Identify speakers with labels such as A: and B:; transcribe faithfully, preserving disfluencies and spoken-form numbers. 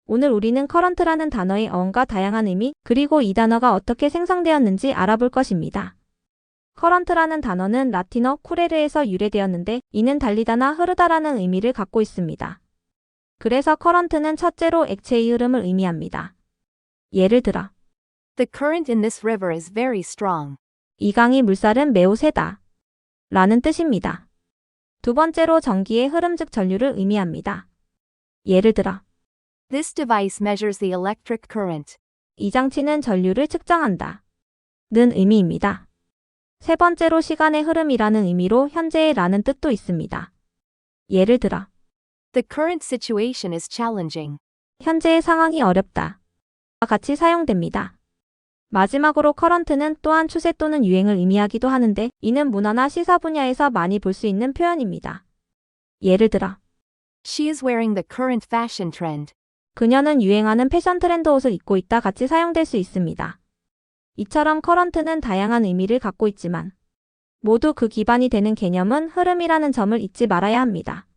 A: 오늘 우리는 커런트라는 단어의 어원과 다양한 의미, 그리고 이 단어가 어떻게 생성되었는지 알아볼 것입니다. 커런트라는 단어는 라틴어 쿠레르에서 유래되었는데 이는 달리다나 흐르다라는 의미를 갖고 있습니다. 그래서 커런트는 첫째로 액체의 흐름을 의미합니다. 예를 들어
B: The current in this river is very strong.
A: 이 강의 물살은 매우 세다 라는 뜻입니다. 두 번째로 전기의 흐름 즉 전류를 의미합니다. 예를 들어
B: This device measures the electric current.
A: 이 장치는 전류를 측정한다 는 의미입니다. 세 번째로 시간의 흐름이라는 의미로 현재의 라는 뜻도 있습니다. 예를 들어
B: The current situation is challenging.
A: 현재의 상황이 어렵다 와 같이 사용됩니다. 마지막으로 커런트는 또한 추세 또는 유행을 의미하기도 하는데 이는 문화나 시사 분야에서 많이 볼 수 있는 표현입니다. 예를 들어
B: She is wearing the current fashion trend.
A: 그녀는 유행하는 패션 트렌드 옷을 입고 있다 같이 사용될 수 있습니다. 이처럼 커런트는 다양한 의미를 갖고 있지만 모두 그 기반이 되는 개념은 흐름이라는 점을 잊지 말아야 합니다.